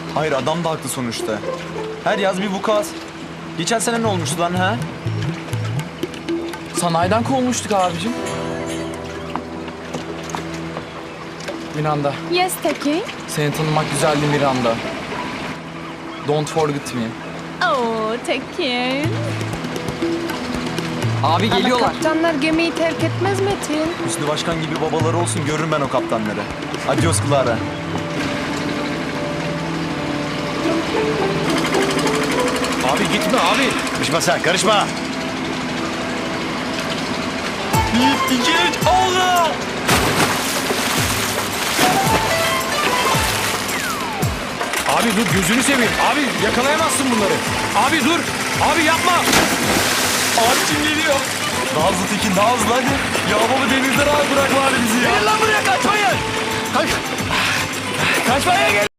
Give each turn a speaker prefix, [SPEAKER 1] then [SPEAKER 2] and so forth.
[SPEAKER 1] Hayır, adam da haklı sonuçta. Her yaz bir vukuat. Geçen sene ne olmuştu lan ha?
[SPEAKER 2] Sanayiden kovulmuştuk abicim. Miranda,
[SPEAKER 3] Yes, Teki.
[SPEAKER 2] seni tanımak güzeldi Miranda. Don't forget me.
[SPEAKER 3] Oh, Teki.
[SPEAKER 2] Abi
[SPEAKER 3] Ama
[SPEAKER 2] geliyorlar.
[SPEAKER 3] kaptanlar gemiyi terk etmez Metin.
[SPEAKER 1] Hüsnü Başkan gibi babaları olsun, görürüm ben o kaptanları. Adios Clara.
[SPEAKER 4] Abi gitme abi.
[SPEAKER 5] Karışma sen, karışma.
[SPEAKER 1] Bir, iki, üç, Allah!
[SPEAKER 4] Abi dur gözünü seveyim. Abi yakalayamazsın bunları. Abi dur. Abi yapma.
[SPEAKER 1] Abicim geliyor. Daha hızlı Tekin, daha hızlı hadi. Ya baba denizden al, bırak bari bizi ya.
[SPEAKER 4] Gelin lan buraya kaçmayın. Kaçmaya gel.